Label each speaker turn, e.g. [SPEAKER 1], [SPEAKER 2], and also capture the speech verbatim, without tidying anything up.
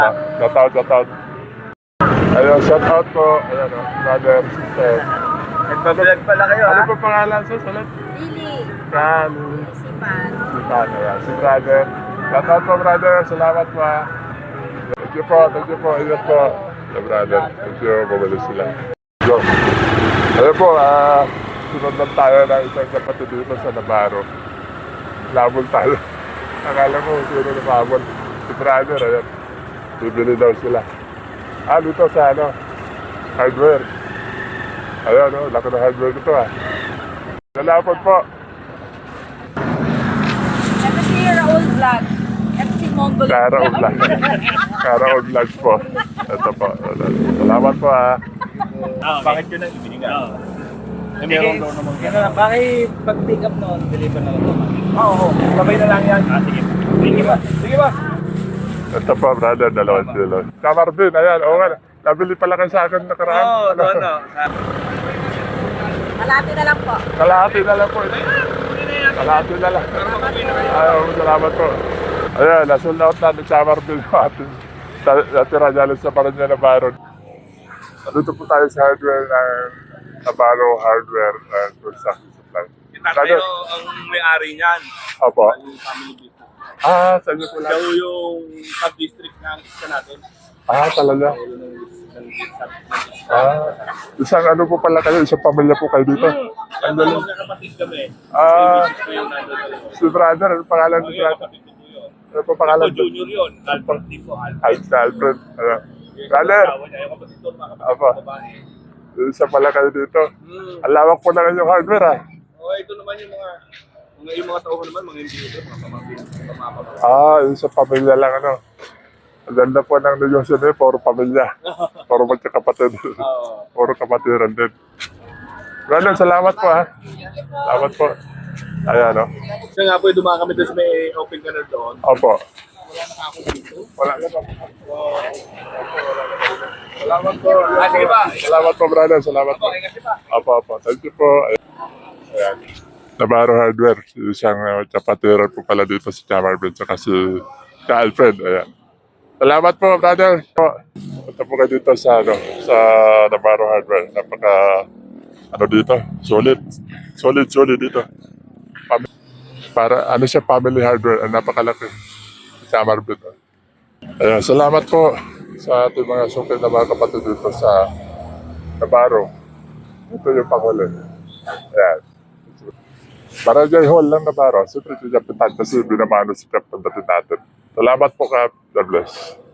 [SPEAKER 1] Shout out, shout out. Ayun, shout out po. Ayan o, brother, sister.
[SPEAKER 2] Nagbablog pala kayo,
[SPEAKER 1] Ano
[SPEAKER 2] ha?
[SPEAKER 1] po pangalan sa salat?
[SPEAKER 3] Lili.
[SPEAKER 1] Kan.
[SPEAKER 3] Sipan.
[SPEAKER 1] Si Kan, ayan. Si brother. Shout out po, brother. Salamat po. ah. Thank you po, thank you po. Ingat po. The brother. Thank you. Bumalik sila. Go. Ayun po, ah, sunod lang tayo ng isang kapatid dito sa Navarro. Labol tayo. Akala ko sino lumabol. Si brother, ayan. Bibili daw sila. Ah, dito sa ano? Hardware. Ayan, oh, laki ng hardware dito ah. Nalapot po.
[SPEAKER 3] F C Raul Vlog. F C Mongol.
[SPEAKER 1] Kara Vlog. Kara Vlog po. Ito po. Salamat po ah.
[SPEAKER 2] Bakit yun ang ibinigan? Eh, meron daw naman. Yan na lang. Bakit pag-pick up noon, deliver na lang ito? Oo, oo. Sabay na lang yan. Ah, sige. Sige ba? Sige ba?
[SPEAKER 1] Ito po, brother. Dalawang silo. Sa Marvin, ayan. Oo nga. Nabili pala kayo sa akin nakaraan.
[SPEAKER 2] Oo, oh, doon na.
[SPEAKER 3] Malapit na lang po.
[SPEAKER 1] Kalahati na lang po. Kalahati na lang. Ayaw, salamat po. Ayan, nasold out na ng sa Marvin po atin. Natira dyan sa Paranya na Baron. Dito po tayo sa hardware ng Navarro Hardware and Construction Supply.
[SPEAKER 2] Tayo ang may-ari niyan.
[SPEAKER 1] Opo.
[SPEAKER 2] Yung family business.
[SPEAKER 1] Ah, sa inyo po lang.
[SPEAKER 2] Siya yung sub-district ng isa natin.
[SPEAKER 1] Ah, talaga.
[SPEAKER 2] Siya yung ng sub
[SPEAKER 1] Ah, isang ano po pala kayo, isang pamilya po kayo dito.
[SPEAKER 2] Ang dalawang kapatid kami.
[SPEAKER 1] Ah,
[SPEAKER 2] May business ko yung nandun.
[SPEAKER 1] si brother, ano pangalan ni
[SPEAKER 2] Yung
[SPEAKER 1] brother?
[SPEAKER 2] kapatid ko po yun.
[SPEAKER 1] Ano po pangalan?
[SPEAKER 2] Ako junior yun. Albert Tipo.
[SPEAKER 1] Al- si Alfred. Ano? Brother,
[SPEAKER 2] Yung kapatid ko, mga kapatid
[SPEAKER 1] Apa.
[SPEAKER 2] ko babae.
[SPEAKER 1] isa pala kayo dito.
[SPEAKER 2] Hmm.
[SPEAKER 1] Ang lawak po na yung hardware ah.
[SPEAKER 2] Oh, ito naman yung mga mga yung mga tao ko naman, mga individual, mga pamangkin, mga pamangkin.
[SPEAKER 1] Ah, yung sa pamilya lang ano. Ang ganda po ng negosyo niyo, puro pamilya. Puro magkakapatid.
[SPEAKER 2] Oo.
[SPEAKER 1] Puro kapatiran din. Brother, salamat po ha. Salamat po. Ayan o.
[SPEAKER 2] Kaya nga po, yung dumaan kami doon sa may open canal doon.
[SPEAKER 1] Opo.
[SPEAKER 2] Wala na ako dito.
[SPEAKER 1] Wala na po. Salamat po.
[SPEAKER 2] Ah, sige ba?
[SPEAKER 1] Salamat po, brother. Salamat po.
[SPEAKER 2] Okay, kasi pa.
[SPEAKER 1] Opo, opo. Thank you po. Ayan. Navarro Hardware. Isang uh, kapatiran po pala dito si Chamarvin saka si ka Alfred. Ayan. Salamat po, brother. Po. Punta po kayo dito sa, ano, sa Navarro Hardware. Napaka, ano dito, solid. Solid, solid dito. Pam- Para, ano siya, family hardware. Ang napakalaki. Sa Marvin. Ayan, salamat po sa ating mga sukil na mga kapatid dito sa Navarro. Ito yung panghuli. Ayan. Barangay Hall lang Navarro. Siyempre, si Captain kasi binamano si Captain natin natin. Salamat po, Cap. God bless.